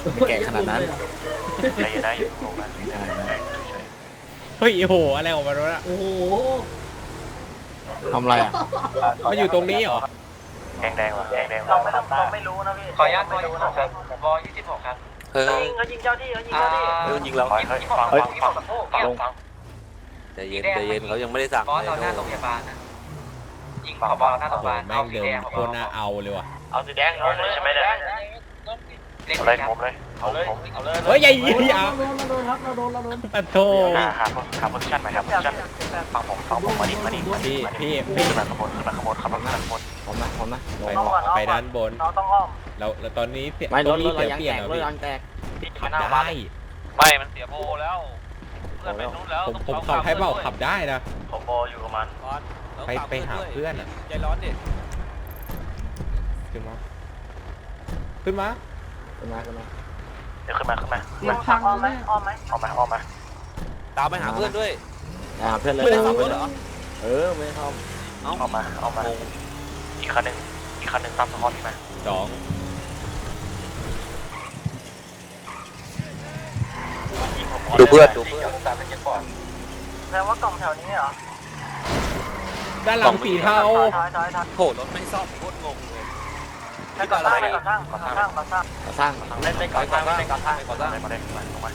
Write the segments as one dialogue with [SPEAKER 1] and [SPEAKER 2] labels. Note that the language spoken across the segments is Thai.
[SPEAKER 1] ไม่แก่ขนาดนั้น
[SPEAKER 2] ได้อยู่ลงมาได้
[SPEAKER 3] เฮ้ยโอ้โหอะไรออกมาแล้วะ
[SPEAKER 4] โอ้โห
[SPEAKER 1] ทำอะไรอ่ะ
[SPEAKER 3] มันอยู่ตรงนี้เหรอ
[SPEAKER 2] แดงว่ะแดง
[SPEAKER 5] เราไม่รู้นะพี่
[SPEAKER 6] ขออนุญาตวอ26ครับว26ครับ
[SPEAKER 1] เฮ้ย
[SPEAKER 5] เขายิงเจ้าที่เขายิงเจ้าที่
[SPEAKER 1] เออยิงเรา
[SPEAKER 6] ฟัง
[SPEAKER 1] ใจเย็นใจเย็นเขายังไม่ได้สั่ง
[SPEAKER 6] บอสเราหน้าโรงพยาบาลนะยิงผบหน้าโรงพ
[SPEAKER 3] โอ้
[SPEAKER 6] ยา
[SPEAKER 3] โห
[SPEAKER 6] บาล
[SPEAKER 3] แม่งเดินโคตรน่าเอาเลยว่ะ
[SPEAKER 5] เอาสีแดงลงเลยใช่ไหมเนี่ย
[SPEAKER 6] เล่น
[SPEAKER 2] เอา
[SPEAKER 6] เล
[SPEAKER 2] เลย
[SPEAKER 6] ยครับ
[SPEAKER 2] ผมเลยเอาเลย
[SPEAKER 3] เฮ้ยอย่ายิง
[SPEAKER 4] เรา
[SPEAKER 3] อย่า
[SPEAKER 4] โดนครับเราโดน
[SPEAKER 3] ปะโถ
[SPEAKER 2] หาโพซิชั่นใหม่ครับโพซิชั่นฟังผมมาดิ
[SPEAKER 3] พี่
[SPEAKER 2] ขึ้นมาขบวนขับรถขบวน
[SPEAKER 1] ผมนะ
[SPEAKER 3] ไปด้านบน
[SPEAKER 5] เราต้องอ้อม
[SPEAKER 3] เราตอนนี้เสีย
[SPEAKER 1] ไม่ร
[SPEAKER 3] ตร
[SPEAKER 1] ถ
[SPEAKER 3] งนี้
[SPEAKER 1] เรา
[SPEAKER 3] เสีย
[SPEAKER 1] ยัง
[SPEAKER 3] เปลี่ย
[SPEAKER 1] แต
[SPEAKER 3] น
[SPEAKER 1] ก
[SPEAKER 3] เหรอ
[SPEAKER 1] รถ
[SPEAKER 3] พี่
[SPEAKER 1] ยังแตก
[SPEAKER 3] ขับได้
[SPEAKER 6] ไม่มันเสียโบแล้วเพื่อนไปนู้นแล้ว
[SPEAKER 3] ผมขับให้เบาขับได้นะ
[SPEAKER 5] ผมโบอยู่กับมัน
[SPEAKER 3] ไปหาเพื่อนอ่ะ
[SPEAKER 6] ใจร้อนดิ
[SPEAKER 3] ขึ้นมาขึ้นมา
[SPEAKER 2] เดี๋ยวขึ้นมา
[SPEAKER 4] เสียงพัง
[SPEAKER 5] อ้อมไหม
[SPEAKER 4] แน่
[SPEAKER 5] อ้อมไหม
[SPEAKER 2] ออกมา
[SPEAKER 1] ตามไปหาเพื่อนด้วยเพื่อนเลยตามเพื่อนเหรอไม่เข้า
[SPEAKER 2] ออกมาอีกคันหนึ่งตามสะพานที่มา
[SPEAKER 3] สอง
[SPEAKER 1] ดูเพื่อน
[SPEAKER 5] แสดงว่ากล่องแถวนี้เหรอ
[SPEAKER 3] ด้านหลังสีเทา
[SPEAKER 5] ถอย
[SPEAKER 1] โหรถไม่ซ่อมโคตรงงเลย
[SPEAKER 5] ให้ก่อนสร้าง
[SPEAKER 1] สร้าง
[SPEAKER 5] เล่นก่อนสร้างเล่นก่อนสร้าง
[SPEAKER 1] ก่อสร้าง
[SPEAKER 2] มาได้ลงมา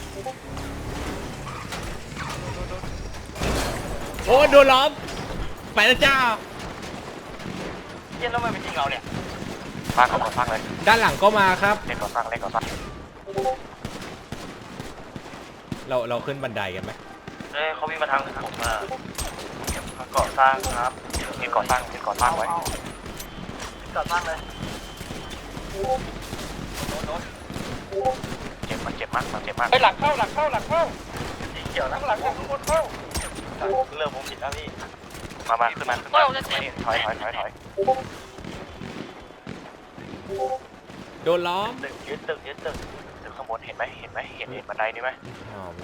[SPEAKER 3] โอ้โดนล้อมไปแล้วจ้า
[SPEAKER 5] เย็นแล้วมันเป็นจริงเราเนี่ย
[SPEAKER 2] สร้างก่อนสร้างเลย
[SPEAKER 3] ด้านหลังก็มาครับ
[SPEAKER 2] เล่นก่อนสร้าง
[SPEAKER 3] เราขึ้นบันไดกันไหม
[SPEAKER 5] เขาวิ่งมาทางผมก่อสร้างครับ
[SPEAKER 2] เล่นก่อนสร้างไว้
[SPEAKER 5] ก่อสร้างเลย
[SPEAKER 2] เจ็บมาก
[SPEAKER 6] ไปหลังเข้า
[SPEAKER 5] สีเขียวนะ
[SPEAKER 6] หลังเข้าคนเข้า
[SPEAKER 5] เรื่องผมผิดนะพี่
[SPEAKER 2] มาขึ้นมาถอย
[SPEAKER 3] โดนล้อม
[SPEAKER 5] ตึกยึดตึก
[SPEAKER 2] ข้างบนเห็นบันไดนี่ไหม
[SPEAKER 3] อ๋อมัน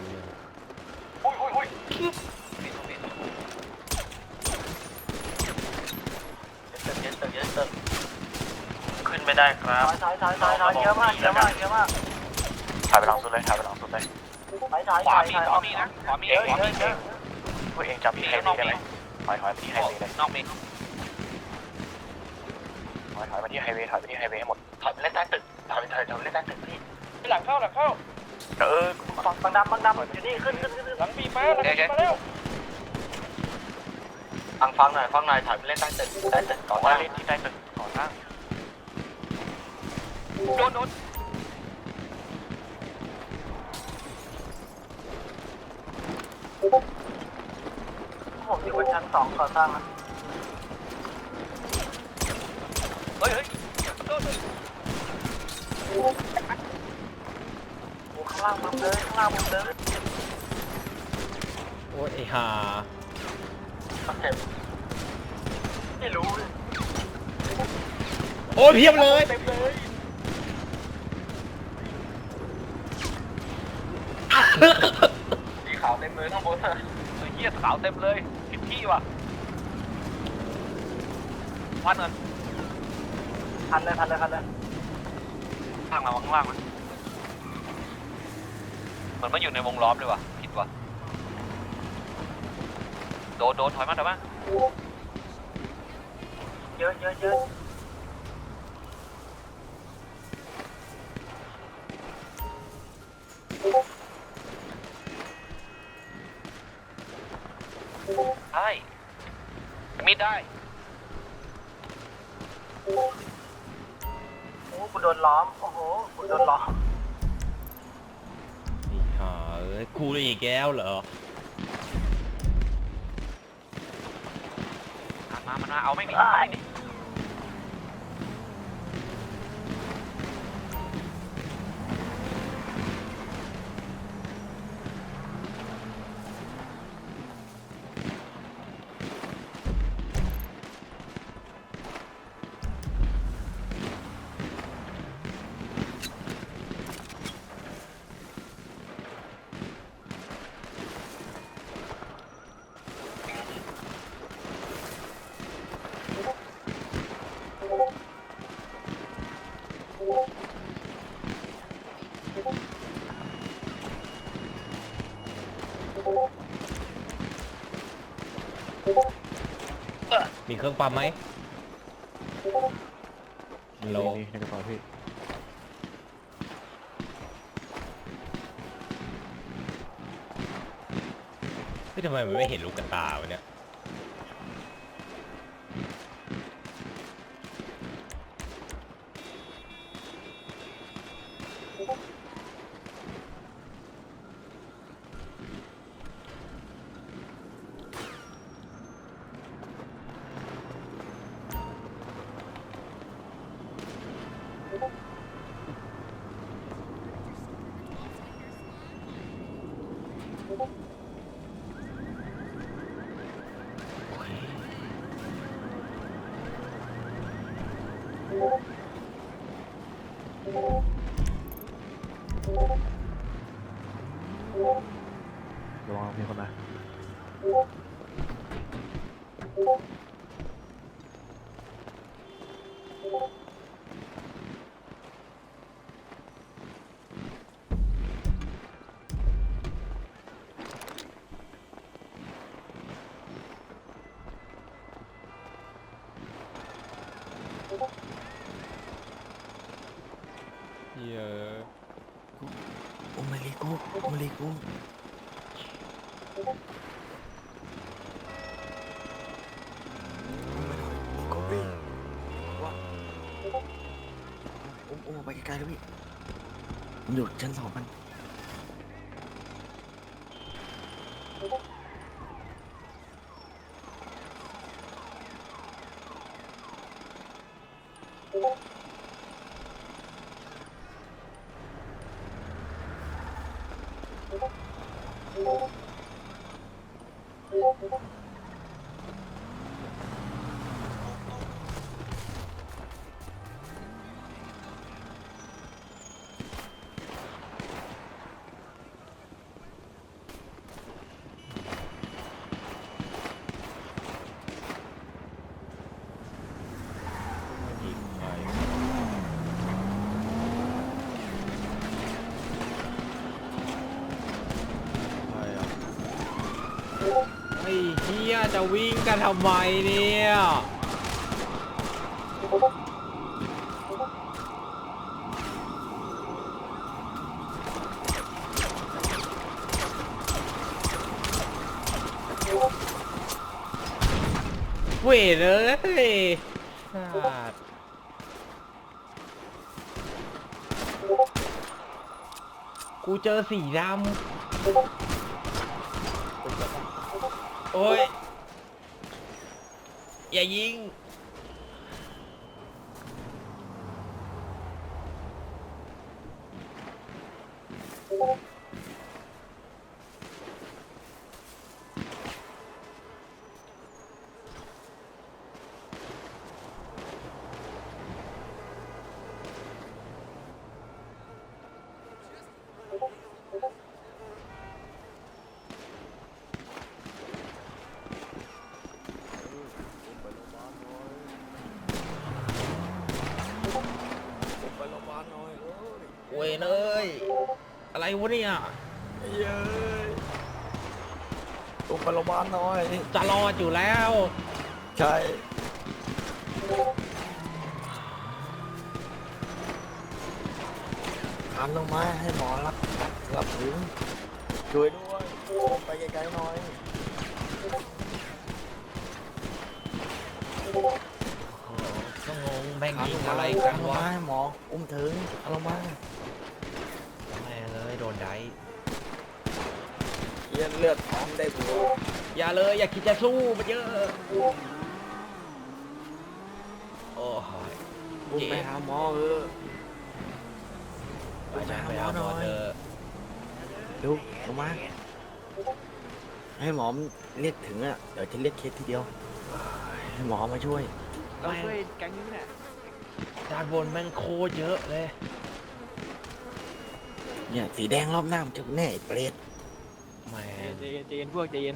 [SPEAKER 5] ยึดตึกขึ้นไม่ได้ครับถอยเยอะมาก
[SPEAKER 2] ถ่ายไปหลังสุดเลย
[SPEAKER 5] ถอย
[SPEAKER 6] ขวามีนะขวามี
[SPEAKER 2] พวกเองจำพี่ไฮเวย์ได้ไหมถอยไปที่ไฮเวย์เลย
[SPEAKER 6] นอกมี
[SPEAKER 2] ถอยไปที่ไฮเวย์ให้หมด
[SPEAKER 5] ถอยไปเล่นใต้ตึกถอยเล่นใต้ตึกพี่
[SPEAKER 6] ไปหลังเข้า
[SPEAKER 5] บางดำอยู่นี่ขึ้น
[SPEAKER 6] หลังมีมาแล้ว
[SPEAKER 5] ฟังหน่อยถอยไปเล่นใต้ตึกก่อน
[SPEAKER 2] ว่าเล่นที่ใต้ตึกก่อนสร้าง
[SPEAKER 6] โดน
[SPEAKER 5] ผมอยู่บนชั้น2ก่อสร้างนะ
[SPEAKER 6] เฮ้ยโดน
[SPEAKER 5] โอ้ข้างล่างมุมเลย
[SPEAKER 3] โอ้ยไอ้ห่า
[SPEAKER 5] เจ็บไม่รู้
[SPEAKER 3] โอ้ยเพียบเลย
[SPEAKER 5] เต็มเลย สีขาวเต็มเลยข้างบน
[SPEAKER 6] เหี้ยขาวเต็มเลยผิดที่ว่ะพันเงิน
[SPEAKER 5] พันเลย
[SPEAKER 6] ข้างล่างมันเหมือนมันอยู่ในวงล้อมเลยว่ะผิดว่ะโดนถอยมา
[SPEAKER 5] เยอะ
[SPEAKER 6] ใช่มีดได้
[SPEAKER 5] โอ้กูโดนล้อม โอ้โหกูโดนล้อม
[SPEAKER 3] ไอ้ห่าเอ้ยกูเลยอีกแก้วเหรอ
[SPEAKER 6] มาเอาไม่มี
[SPEAKER 3] มีเครื่องปั๊มไหมฮัลโหล
[SPEAKER 4] นี่ในกระเป๋าพี่
[SPEAKER 3] เฮ้ยทำไมมันไม่เห็นลูกกระตาวะเนี่ย
[SPEAKER 4] ระวังมีคนมา
[SPEAKER 3] เยอะ
[SPEAKER 1] โอมาริกูโอมาริกูก็พี่ว่าอุ้มไปไกลๆเลยพี่มันอยู่ชั้น2มัน
[SPEAKER 3] ยิงไปไอ้เหี้ยจะวิ่งกันทำไมเนี่ยเวทเลยสัตว์กูเจอสีดำโอ้ย อย่ายิงเว้ยเอ้ยอะไรวะเนี่ย
[SPEAKER 1] เย้ยอุ้มไปโรงพยาบาลหน่อย
[SPEAKER 3] จะรอดอยู่แล้ว
[SPEAKER 1] ใช่ทำลงมาให้หมอรับถึงช่วยด้วยไปไกลๆหน่อย
[SPEAKER 3] ก็งงแม่งยิงอะไรกันวะ
[SPEAKER 1] ให้หมออุ้มถึงเอาลงมา
[SPEAKER 3] แม่เลยโดนได
[SPEAKER 1] เย็นเลือดพร้อมได้บัว
[SPEAKER 3] อย่าเลยอย่าคิดจะสู้มันเยอะโอ้ย
[SPEAKER 1] อุ้มไปหาหมอ
[SPEAKER 3] ไปเอาหมอเถอะ
[SPEAKER 1] ดูลงมาให้หมอเรียกถึงอ่ะเดี๋ยวจะเรียกเคสทีเดียวให้หมอมาช่วย
[SPEAKER 4] เราช่วยแก๊งนี้เนี่ย
[SPEAKER 3] ด้านบนแม่งโคตรเยอะเลย
[SPEAKER 1] เนี่ยสีแดงรอบหน้ามันจะแน่ไอ้เปรต
[SPEAKER 3] แม่
[SPEAKER 4] ใจเย็นพวกใจเย็น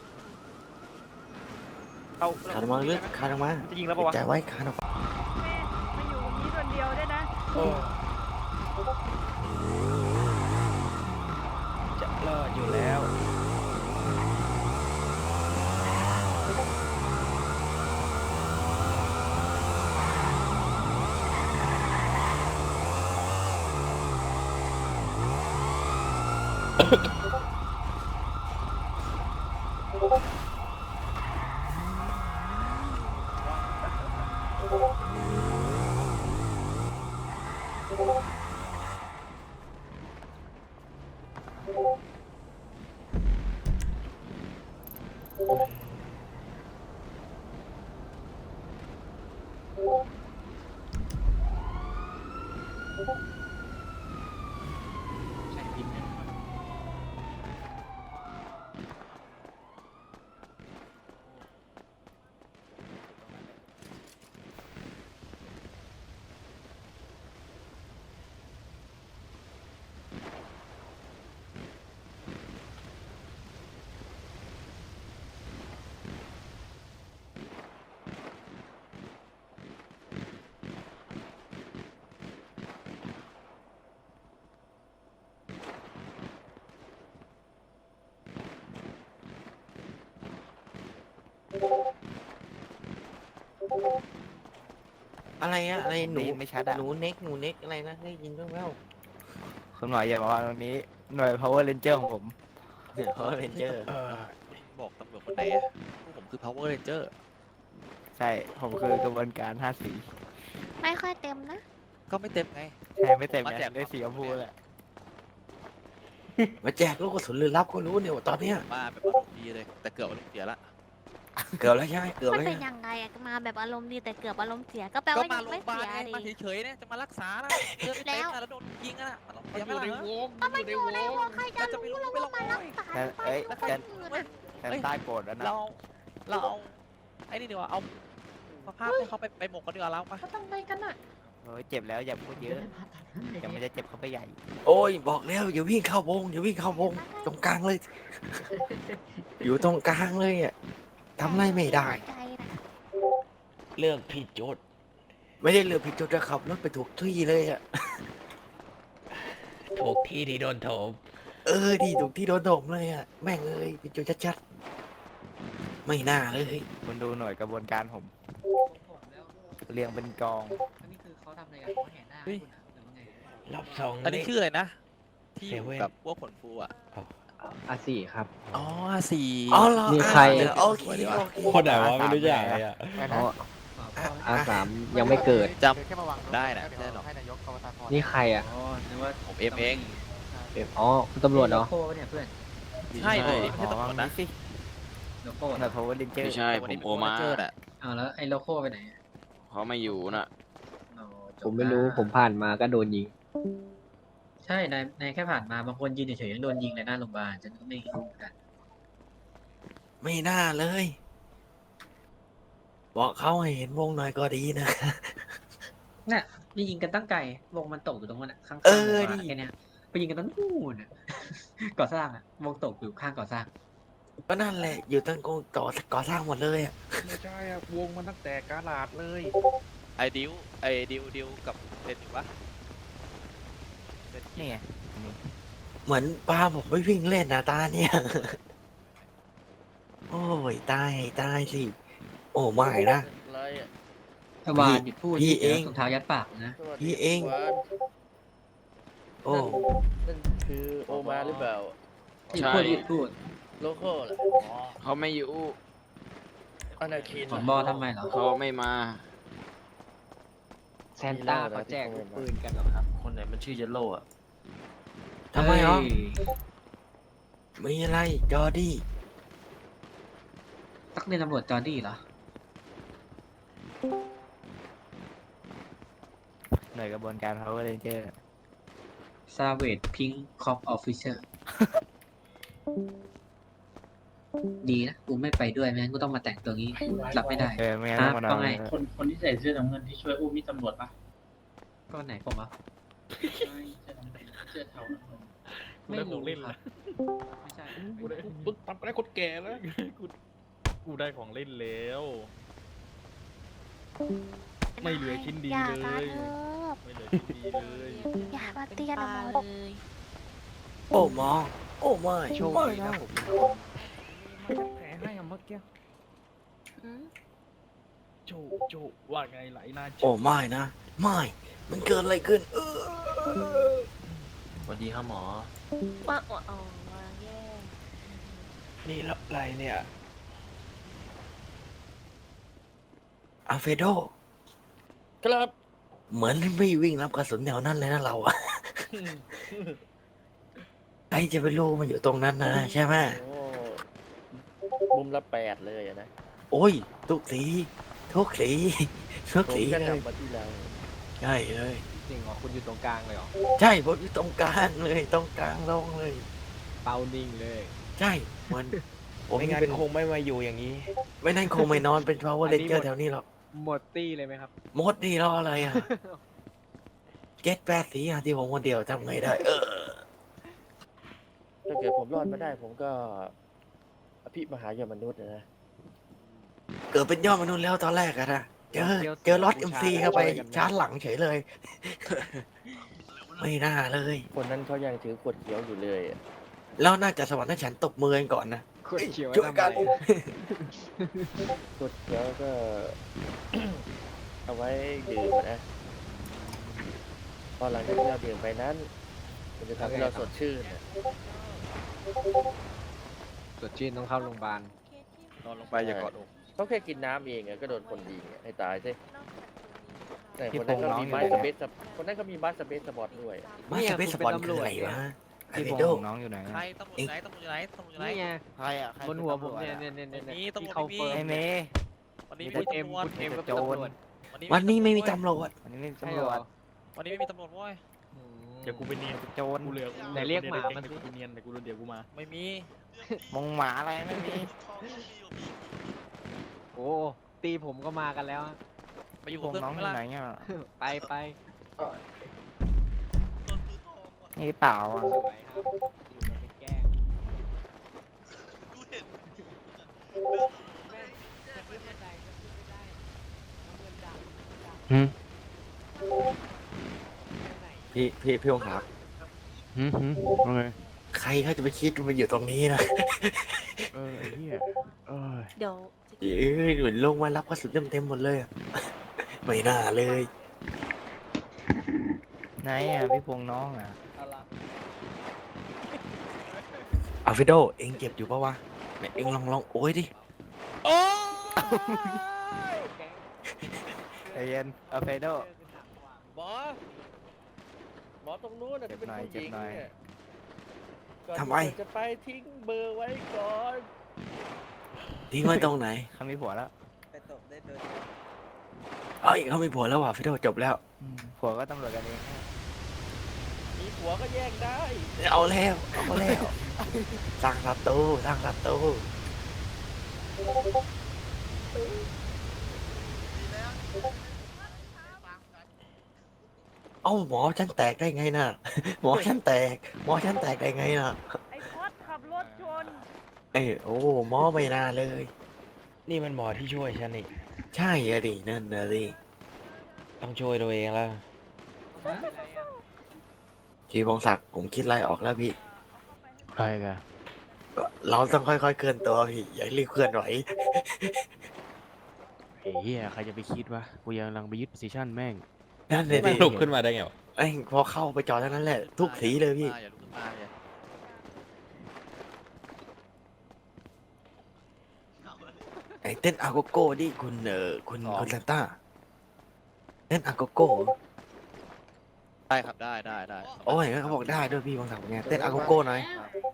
[SPEAKER 4] เอา
[SPEAKER 1] ขาดออกมาลึกขาดออกมา
[SPEAKER 4] จะยิงแล้วปะวะ
[SPEAKER 1] ใจไว้ขาดออกมา
[SPEAKER 7] ไม่อยู่ตรงนี้คนเดียวด้วยนะ
[SPEAKER 3] โอ้จะรอดอยู่แล้ว
[SPEAKER 7] เ
[SPEAKER 3] โ
[SPEAKER 1] อะไรอะอะไรหนู
[SPEAKER 8] ได้ยินไม่ชัดอะ
[SPEAKER 1] หนูเน็กอะไรนะได้ยินบ้างแล้ว
[SPEAKER 8] คุณหมออย่าบอกว่าตรงนี้หน่วย power ranger ของผม
[SPEAKER 1] เดี๋ยวเขาเรนเจอร์
[SPEAKER 2] บอกตำรวจคนไหนอะพวกผมคือ power ranger
[SPEAKER 8] ใช่ผมคือกระบวนการ5 สี
[SPEAKER 7] ไม่ค่อยเต็มนะ
[SPEAKER 2] ก็ไม่เต็มไง
[SPEAKER 8] ใช่ไม่เต็ม
[SPEAKER 2] มา
[SPEAKER 8] ไง
[SPEAKER 2] แจก
[SPEAKER 8] ได้สีชมพูแหละ
[SPEAKER 1] มาแจกลูกกระสุนลือลับก็รู้เนี่ยว่าตอนเนี้ย
[SPEAKER 2] มาแบบอารมณ์ดีเลย แต่เกือบอารมณ์เสียละ
[SPEAKER 1] เกือบแล้วใช่ไหมเกือบ
[SPEAKER 7] มัน
[SPEAKER 1] แล้ว
[SPEAKER 7] เป็น
[SPEAKER 1] ใช่ไหม
[SPEAKER 7] ยังไงอะมาแบบอารมณ์ดีแต่เกือบอารมณ์เสียก็แปล
[SPEAKER 2] ก็
[SPEAKER 7] ว่า
[SPEAKER 2] มา
[SPEAKER 7] ยัง
[SPEAKER 2] โรง
[SPEAKER 7] ไม่
[SPEAKER 2] พยาบาล
[SPEAKER 7] เสีย
[SPEAKER 2] ไง
[SPEAKER 7] ดิ
[SPEAKER 2] มาเฉยๆเนี่ยจะมารักษานะเลือดไม่เต็มนะแล้วโดนยิงอะนะมันเสียไหมล่ะ
[SPEAKER 7] ก็มันอยู่ในวงใครจะรู้แล้วว่ามันรักษา
[SPEAKER 8] แต่เอ้ย
[SPEAKER 7] ไป
[SPEAKER 8] แต่
[SPEAKER 7] คนอื่นอะ
[SPEAKER 8] แต่ใต้โกรธแล้วนะ
[SPEAKER 2] เราเอาไอ้นี่ดีกว่าเอาสภาพให้เขาไปหมกกันดีกว่าแล้วมา
[SPEAKER 7] เขาทำไมกันอะ
[SPEAKER 8] โอ้ยเจ็บแล้วอย่าพูดเยอะเดี๋ยวมันจะเจ็บเข้าไปใหญ่
[SPEAKER 1] โอ้ยบอกแล้วอย่าวิ่งเข้าวงอย่าวิ่งเข้าวงตรงกลางเลย อยู่ตรงกลางเลยอ่ะทำอะไรไม่ได้
[SPEAKER 7] ใจนะ
[SPEAKER 1] เลือกผิดจุดไม่ได้เลือกผิดจุดจะขับรถไปถูกที่เลยอ่ะ
[SPEAKER 3] ถูกที่ที่โดนโถม
[SPEAKER 1] ดีถูกที่โดนโดมเลยอ่ะแม่งเลยผิดจุดชัดๆไม่น่าเลย
[SPEAKER 8] คุณดูหน่วยกระบวนการผมเรียงเป็นกอง
[SPEAKER 2] เฮ้ย
[SPEAKER 3] รับส่ง
[SPEAKER 2] อันนี้ชื่ออะไรนะ ที่อยู่
[SPEAKER 3] เซเว่น
[SPEAKER 2] กับพวกขนฟูอ่ะ
[SPEAKER 4] อาสี่ครับ
[SPEAKER 2] อ๋อสี่
[SPEAKER 1] อ๋อเหรอ
[SPEAKER 4] นี่ใคร
[SPEAKER 1] โอเคโอเค
[SPEAKER 3] คนไหนวะไม่รู้จักเลยอะ
[SPEAKER 4] อ๋ออาสามยังไม่เกิด
[SPEAKER 2] จำได้นะไม่ใช่หรอก
[SPEAKER 4] นี่ใครอ่ะ
[SPEAKER 2] ผมเอ็มเอง
[SPEAKER 4] อ๋อคุณตำรวจเหรอ
[SPEAKER 2] ใช่เลยไม่ใช่
[SPEAKER 8] อ๋อ
[SPEAKER 2] ตำรวจ
[SPEAKER 8] นี่
[SPEAKER 2] นะ
[SPEAKER 8] สิหน่วย power ranger
[SPEAKER 9] ไม่ใช่ผมโอมา
[SPEAKER 2] เจอน่ะ
[SPEAKER 10] อ้าวแล้วไอ้โลโก้ไปไหน
[SPEAKER 9] เขาไม่อยู่น่ะ
[SPEAKER 10] อ๋อจบ
[SPEAKER 4] ผมไม่รู้
[SPEAKER 10] ละ
[SPEAKER 4] ผมผ่านมาก็โดนยิง
[SPEAKER 10] ใช่นายแค่ผ่านมาบางคนยืนเฉยๆยังโดนยิงในหน้าโรงพยาบาลฉันก็ไม่รู้เหมือนกัน
[SPEAKER 1] ไม่น่าเลย บอกเขาให้เห็นวงหน่อยก็ดีนะ
[SPEAKER 10] น่ะนี่ยิงกันตั้งไกลวงมันตกอยู่ตรงนั้นอะข้างๆ
[SPEAKER 1] เออ
[SPEAKER 10] โรงพยาบาล
[SPEAKER 1] ดิ
[SPEAKER 10] แค่เนี้ยไปยิงกันตรงนู่นอะ ก่อสร้างอะวงตกอยู่ข้างก่อสร้าง
[SPEAKER 1] ก็นั่นแหละ อยู่ตั้งกงต่อก่อสร้างหมดเลยอ่ะ
[SPEAKER 4] ไม่ใช่อะวงมันตั้งแต่กาลาดเลย
[SPEAKER 2] ไอดิวกับเซนอยู่ปะเซน
[SPEAKER 8] นี่ไง
[SPEAKER 1] เหมือนปลาผมไม่วิ่งเล่นนะตาเนี่ย โอ้ยตายสิ โอ้ไม่นะ
[SPEAKER 10] พยาบาลหยุดพูด
[SPEAKER 1] พี่เอง
[SPEAKER 10] ถุงเท้ายัดปากนะ
[SPEAKER 1] พี่เอง โอ้
[SPEAKER 5] นั่นคือโอมาหรือเปล่า
[SPEAKER 10] หยุดพูดหยุดพูด
[SPEAKER 5] โลโก้เหรอ
[SPEAKER 9] เขาไม่อยู่
[SPEAKER 5] อนาคิน
[SPEAKER 10] ผบทำไมเหรอ
[SPEAKER 9] เขาไม่มา
[SPEAKER 4] แซนต้าเขาแจกปืนกันเหรอครับ
[SPEAKER 5] คนไหนมันชื่อเยลโล่อะ
[SPEAKER 1] ทำไมเหรอ
[SPEAKER 10] เฮ้ย
[SPEAKER 1] มีอะไรจอร์ดี้
[SPEAKER 10] ตักเรียนตำรวจจอร์ดี้เหรอ
[SPEAKER 8] หน่วยกระบวนการ power ranger
[SPEAKER 10] ซาเวดพิงคอปออฟฟิเชอร์ ดีนะกูไม่ไปด้วยไม่งั้นกูต้องมาแต่งตัวงี้รับไม่ได้
[SPEAKER 8] ไม่งั้นต้องมานอน
[SPEAKER 10] ว่าไง
[SPEAKER 5] คนที่ใส่เสื้อน้ำเงินที่ช่วยอุ้มนี่ตำรวจปะ
[SPEAKER 10] ก็ไหนผมอ่ะ
[SPEAKER 5] เสื้อเทา
[SPEAKER 10] ไม่รู้ครับไม่ใช่
[SPEAKER 4] ปึ๊กทำอะไรคนแก่แล้วกูได้ของเล่นแล้ว ไม่เหลือชิ้นดี
[SPEAKER 7] อย่า
[SPEAKER 4] เล
[SPEAKER 7] มาย เถอะ
[SPEAKER 4] ไม่เหลือชิ้นดีเลย
[SPEAKER 7] อย่ามาเตียนหมอ
[SPEAKER 1] โอ้หมอ โอ้ไม่
[SPEAKER 8] โชค
[SPEAKER 1] ไม่
[SPEAKER 8] ดี
[SPEAKER 1] นะ
[SPEAKER 8] นะผม
[SPEAKER 4] แผลให้อะเมื่อกี้
[SPEAKER 7] อืม
[SPEAKER 4] โจว่าไงไหลนา
[SPEAKER 1] โอ้ไม่นะ ไม่ มันเกิดอะไรขึ้น
[SPEAKER 9] ไป
[SPEAKER 5] วัสดีครับหมอ
[SPEAKER 7] ว่าอ๋อแย่
[SPEAKER 3] นี่แล้วอะไรเนี่ย
[SPEAKER 1] อัลเฟรโด
[SPEAKER 4] ครับ
[SPEAKER 1] เหมือนไม่วิ่งรับกระสุนแนวนั้นเลยนะเราอะ ใครจะไปรู้มันอยู่ตรงนั้นนะใช่ไหม
[SPEAKER 4] โอ้มุมละ8เลยอะนะ
[SPEAKER 1] โอ้ยทุกสีทุกสีทุก
[SPEAKER 4] ผม
[SPEAKER 1] สี
[SPEAKER 4] ก็
[SPEAKER 1] เลย
[SPEAKER 4] กลับมาที่เรา
[SPEAKER 1] ใช่เลย
[SPEAKER 3] จริงเหรอคุณอยู่ตรงกลางเลยเหรอ
[SPEAKER 1] ใช่ผมอยู่ตรงกลางเลยตรงกลางลงเลย
[SPEAKER 3] เป้านิ่งเลย
[SPEAKER 1] ใช่เหมือนผม
[SPEAKER 3] ไม่งั้น
[SPEAKER 1] เป็น
[SPEAKER 3] คงไม่มาอยู่อย่างนี้
[SPEAKER 1] ไม่นั่นคงไม่นอนเป็น power
[SPEAKER 3] อันนี้
[SPEAKER 1] ranger
[SPEAKER 3] หมด
[SPEAKER 1] แถวนี้หรอก
[SPEAKER 3] หมดตี้เลยไหมครับ
[SPEAKER 1] มดนี่รออะไรอ่ะ เจ็ดแปดสีอ่ะที่ผมคนเดียวทำไงได้
[SPEAKER 4] ถ้าเกิดผมรอดมาได้ ผมก็อภิมหายมนุษย์นะ
[SPEAKER 1] เกิดเป็นยอดมนุษย์แล้วตอนแรกอะนะเจอรถ MC เข้าไปชาร์จหลังเฉยเลย ไม่น่าเลย
[SPEAKER 4] คนนั้นเขายังถือขวดเขียวอยู่เลยอะ
[SPEAKER 1] แล้วน่าจะสวรรค์ให้ฉันตบมือกันก่อนนะ
[SPEAKER 3] คุณเขียว
[SPEAKER 1] ช่วยกัน
[SPEAKER 3] ทำอะไร
[SPEAKER 4] ขวดเขียวก็ เอาไว้ดื่มอะนะพอหลังจากที่เราดื่มไปนั้น มันจะทำให้เราสดชื่นอะ
[SPEAKER 3] สดชื่นต้องเข้าโรงพยาบาล
[SPEAKER 2] นอนลงไปอย่ากอดอก
[SPEAKER 4] เขาแค่กินน้ำเองอะก็โดนคนยิงอะให้ตายสิแต่
[SPEAKER 8] พี่
[SPEAKER 4] คนนั้นก็
[SPEAKER 8] พงษ์น้อง
[SPEAKER 4] มี
[SPEAKER 8] อยู่
[SPEAKER 4] ไม้
[SPEAKER 8] ไหน
[SPEAKER 4] สเปซคนนั้นก็มีไม้สเปซสปอร์ตด้วย
[SPEAKER 1] มาสเปซสปอนคืออะไรวะไอ
[SPEAKER 8] พี่
[SPEAKER 1] เว
[SPEAKER 8] พง
[SPEAKER 1] โด
[SPEAKER 8] ษ์น้องอยู่ไหน
[SPEAKER 2] ใครตำรวจอยู่ไหนตำรวจอยู่ไหนตำรวจอยู่ไหน
[SPEAKER 3] นี่ไง
[SPEAKER 8] ใครอ่ะ
[SPEAKER 3] บนหัวผมเนี่ยเนี่ย
[SPEAKER 2] ไม่มี
[SPEAKER 3] ที่
[SPEAKER 2] ตำรวจ
[SPEAKER 3] เขา
[SPEAKER 2] ไม่มี
[SPEAKER 3] เฟิร์ม
[SPEAKER 8] ไอเมย์
[SPEAKER 2] วันนี้
[SPEAKER 3] คุ
[SPEAKER 2] ไม่
[SPEAKER 3] ณ
[SPEAKER 2] มี
[SPEAKER 3] เอ็ม
[SPEAKER 2] ตำรวจ
[SPEAKER 3] คุณเอ็มก็เป็นตำรวจ
[SPEAKER 1] วันนี้ไม่มีตำรวจ
[SPEAKER 8] วันนี้ไม่
[SPEAKER 3] ใช่
[SPEAKER 8] ตำ
[SPEAKER 3] เห
[SPEAKER 8] ร
[SPEAKER 3] ร
[SPEAKER 8] ว
[SPEAKER 3] อ
[SPEAKER 8] จ
[SPEAKER 2] วันนี้ไม่มีตำรวจเว้ย
[SPEAKER 4] เดี๋ยวกูไปเนียน
[SPEAKER 8] โจร
[SPEAKER 4] กูเหลือ
[SPEAKER 3] ไหนเรียกหมามาสิ
[SPEAKER 4] กูเนียนเดี๋ยวกูเดี๋ยวกูมา
[SPEAKER 2] ไม่มี
[SPEAKER 8] มงหมาอะไรไม่มี
[SPEAKER 3] โอ้ตีผมก็มากันแล้ว
[SPEAKER 2] ไปอยู่
[SPEAKER 8] พ
[SPEAKER 2] กับ
[SPEAKER 8] ง
[SPEAKER 2] เพื่อน
[SPEAKER 8] ษ์น้อง
[SPEAKER 2] ผม
[SPEAKER 8] อ
[SPEAKER 2] ไหม
[SPEAKER 8] ยู่
[SPEAKER 2] ล่ะ
[SPEAKER 8] ไหนเนี่ย
[SPEAKER 3] ไปไป
[SPEAKER 8] นี่เปล่าอ่ะ
[SPEAKER 3] สวยครับอยู่กันไปแกล้ง
[SPEAKER 8] หืม
[SPEAKER 1] พี่องครับ
[SPEAKER 8] หืมว่าไง
[SPEAKER 1] ใครเขาจะไปคิดว่ามันอยู่ตรงนี้นะ
[SPEAKER 8] ไอ้เหี้ยเอ้ย
[SPEAKER 7] เดี๋ยว
[SPEAKER 1] เอ้ยเหมือนลงมารับกระสุนเต็มหมดเลยอะไม่น่าเลย
[SPEAKER 8] ไหนอ่ะพี่พงษ์น้องอ่ะ
[SPEAKER 1] อัลเฟรโดเอ็งเก็บอยู่ปะวะไหนเอ็งลองโอ้ยดิ
[SPEAKER 8] ใจเย็นอัลเฟรโด
[SPEAKER 4] หมอหมอตรงนู้นน่ะที่เป็นผู้หญิงเนี่ยก่อน
[SPEAKER 1] ทำไม
[SPEAKER 4] ที่จะไปทิ้งเบอร์ไว้ก่อน
[SPEAKER 1] ทิ้งไว้ตรงไหน
[SPEAKER 8] เขามีผัวแล้ว
[SPEAKER 1] เอ้ยเขามีผัวแล้วว่ะอัลเฟรโดจบแล้ว
[SPEAKER 8] ผัวก็ตำรวจกันเอง
[SPEAKER 4] มีผัวก็แย่งได้
[SPEAKER 1] เอาแล้วสร้างศัตรูสร้างศัตรูเอ้าหมอฉันแตกได้ไงน่ะ หมอฉันแตกได้ไงน่ะ
[SPEAKER 7] ไอ้พอดขับรถชน
[SPEAKER 1] เอ้ยโอ้หมอไม่น่าเลย
[SPEAKER 3] นี่มันหมอที่ช่วยฉันนี่
[SPEAKER 1] ใช่อะดินั่นนะดิ
[SPEAKER 3] ต้องช่วยตัวเองแล้ว
[SPEAKER 1] ชีพงศักดิ์ผมคิดอะไรออกแล้วพี่
[SPEAKER 8] ใครกัน
[SPEAKER 1] เราต้องค่อยๆเคลื่อนตัวพี่อย่ารีบเคลื่อนไหว
[SPEAKER 8] เฮียใครจะไปคิดวะกูยังกำลังไปยึดโพซิชั่นแม่ง
[SPEAKER 1] นั่นเลยดิ
[SPEAKER 3] ลุกขึ้นมาได้ไงวะ
[SPEAKER 1] ไอ้ยพอเข้าไปจอดเท่านั้นแหละ ทุกสีเลยพี่
[SPEAKER 2] อย่าลุกขึ้นมาอย่า
[SPEAKER 1] ไอ้เต้นอาโกโก้ดิคุณคุณซานต้าเต้นอาโกโก้
[SPEAKER 2] ได้ครับได้
[SPEAKER 1] โอ้ยเขาบอกได้ด้วยพี่บางสักดิ์ไงเต้นอาโกโก้หน่อย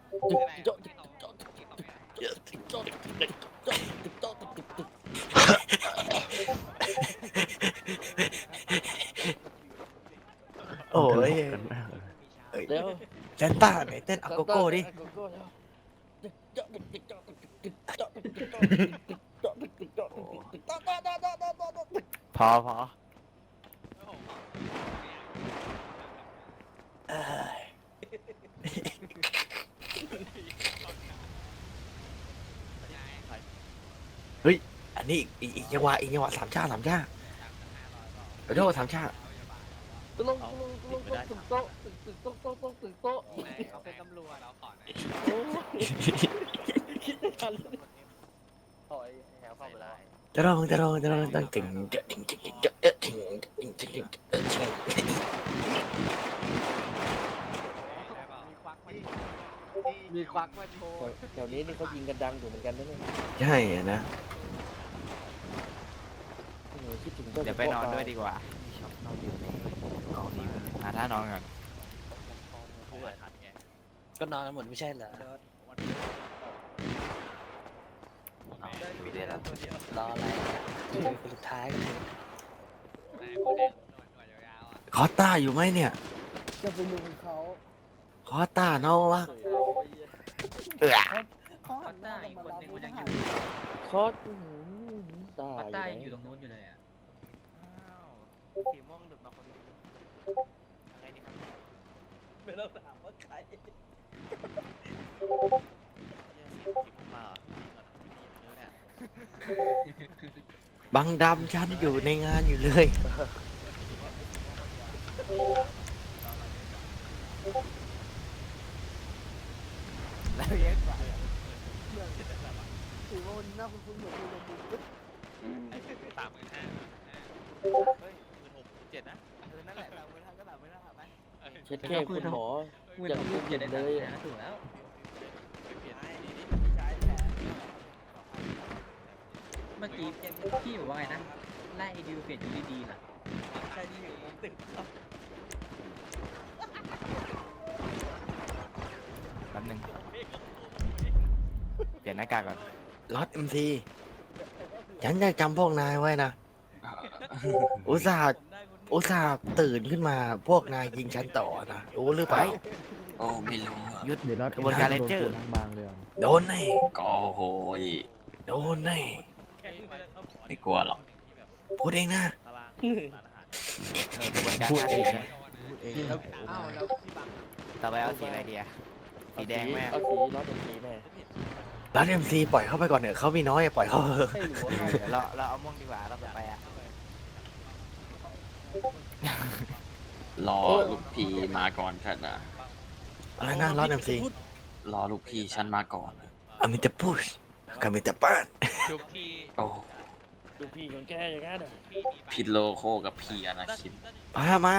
[SPEAKER 1] โอ้ย
[SPEAKER 4] เดี๋ยว
[SPEAKER 1] ซานต้าไหนเต้นอาโกโก้ดิ
[SPEAKER 8] พอ
[SPEAKER 1] เอ้ยเฮ้ย อันนี้อีกจังหวะสามชาเดี๋ยวโทษสามชา
[SPEAKER 4] ลงตึกโต๊ะตึกโต๊ะตึกโต๊ะ
[SPEAKER 3] เขาเป็นตำรวจเราขอ
[SPEAKER 4] คิดไม่ทันเลยถอยแถวเข้าไปแล้ว
[SPEAKER 1] จะร้องต้องถึง
[SPEAKER 8] มีควักมาโชว์
[SPEAKER 4] แถวนี้นี่เขายิงกันดังอยู่เหมือนกันนะเนี่ย
[SPEAKER 1] ใช่อะนะ
[SPEAKER 4] คิดถึงเจ้า
[SPEAKER 8] เดี๋ยวไปนอนด้วยดีกว่าชอบนอนอยู่ในกองนี้หาท่านอนก่อน
[SPEAKER 5] ก็นอนกันหมดไม่ใช่เหรอ
[SPEAKER 8] มีเดือนแล้ว
[SPEAKER 5] รออะไรคนสุดท้ายกันเลย
[SPEAKER 1] คอสต้าอยู่ไหมเนี่ย
[SPEAKER 4] จะไปลุมเขา
[SPEAKER 1] คอสต้าน้องวะเออ
[SPEAKER 10] คอตต้าอีกคนนึงมันยังอยู่
[SPEAKER 4] คอสตา
[SPEAKER 10] คอตต้ายัง
[SPEAKER 4] ย
[SPEAKER 10] อยู่ตรงนู้นอยู่เลยอ่ะ
[SPEAKER 8] สีม่วงหลุดมาคนนึงอะไรนี่ครับ
[SPEAKER 5] ไม่ต้องถามว่าใคร
[SPEAKER 1] บังดำฉันอยู่ในงานอยู่เลย
[SPEAKER 8] แล้วเยอะกว่า
[SPEAKER 4] ถือว่าวันนี้น่าคุ้นๆเหมือนดูในบุญ
[SPEAKER 2] 35,000 นะ
[SPEAKER 8] นั่นแหละเราไม่ทำก็เราไม่ทำไป
[SPEAKER 4] เช็ดแค่คุณหมอ
[SPEAKER 10] พูดถึงพูดอย่าได้ตัดนะถูกแล้ว เมื่อกี้พี่บอกว่าไงนะไล่ไอดิวเปลี่ยนยูดีๆล่ะ
[SPEAKER 5] ใครที่อยู่บนตึกครับ
[SPEAKER 8] แป๊บนึงเปลี่ยนหน้ากากก่อน
[SPEAKER 1] ล็อตเอ็มซีฉันจะจำพวกนายไว้นะ อุตส่าห์ตื่นขึ้นมาพวกนายยิงฉันต่อนะรู้หรือเปล่า
[SPEAKER 9] โอ้ไม่รู้อะ
[SPEAKER 1] ยุด
[SPEAKER 8] กระบวนการเลนเจอร์
[SPEAKER 1] โดนแน่
[SPEAKER 9] ก็โหย
[SPEAKER 1] โดนแน่
[SPEAKER 9] ไม่กลัวหรอก
[SPEAKER 1] พูดเองนะ
[SPEAKER 8] กระบวนการการเองนะต่อไปเอาสีอะไรดีอะสีแดงแม่
[SPEAKER 4] เอาสีร้อนเป็นสีแม่
[SPEAKER 1] ล็อตเอ็มซีปล่อยเข้าไปก่อนเถอะเขามีน้อยปล่อยเขาเถอะ
[SPEAKER 4] ให้หรือว่า
[SPEAKER 8] เดี๋ยวเราเอาม่วงดีกว่าเราต่อไปอะ
[SPEAKER 9] รอลูกพี่มาก่อนฉันนะ
[SPEAKER 1] อะไรนะล็อตเอ็มซี
[SPEAKER 9] รอลูกพี่ฉันมาก่อน
[SPEAKER 1] อามิตาพุชกามิตาป้าน
[SPEAKER 2] ทุกที่
[SPEAKER 9] โอ้
[SPEAKER 4] ดูพี่ของแกอย่างนั้นอ่ะ
[SPEAKER 9] พิดโลโคกับพี่อนาคิน
[SPEAKER 1] พามา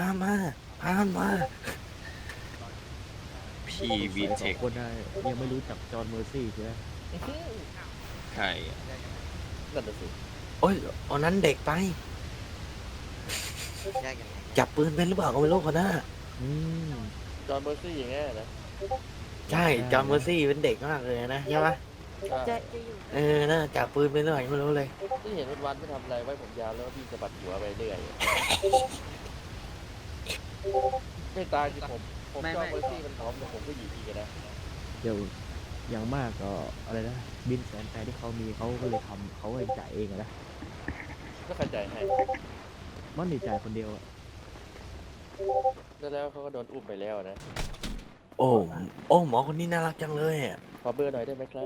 [SPEAKER 9] พี่วีเทค
[SPEAKER 3] คนยังไม่รู้จักจอห์นเมอร์ซี่ใช่ไหม
[SPEAKER 9] ใครอะ
[SPEAKER 4] นั่นน่ะสิ
[SPEAKER 1] โอ้ยอันนั้นเด็กไป จับปืนเป็นหรือเปล่าก็ไม่รู้คนน่ะ
[SPEAKER 4] จอห์นเมอร์ซี่อย่างเงี้ยนะ
[SPEAKER 1] ใช่จอห์นเมอร์ซี่เป็นเด็กมากเลยนะใช่ปะ
[SPEAKER 7] จะอยู่
[SPEAKER 1] เออน่าจับปืนเป็นเรื่องอะไรไม่รู้เลย
[SPEAKER 4] ที่เห็นวันๆไม่ทำอะไรไว้ผมยาวแล้วก็พี่สะบัดหัวไปเรื่อยไม่ตายคือผมจอห์นเมอร์ซี่มันพร้อมแต่ผมก็อยู่ดีกันนะ
[SPEAKER 3] เดี๋ยวอย่างมากก็อะไรนะบินแสนแปดที่เขามีเขาก็เลยทำเขาเองจ่ายเองอะนะ
[SPEAKER 4] ก็เข้าใจให้
[SPEAKER 3] มันนี่จ่ายคนเดียวอะ
[SPEAKER 4] แล้วเขาก็โดนอุ้มไปแล้วนะ
[SPEAKER 1] โอ้หมอคนนี้น่ารักจังเลยอ่ะ
[SPEAKER 4] ขอเบอร์หน่อยได้ไหมครับ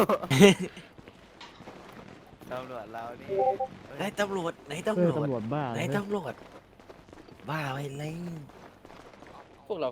[SPEAKER 8] ตำรวจเรานี่
[SPEAKER 1] ไหนตำรวจ
[SPEAKER 3] ตำรวจบ้า
[SPEAKER 1] ไหน
[SPEAKER 3] นะ
[SPEAKER 1] ตำรวจบ้าไปเลย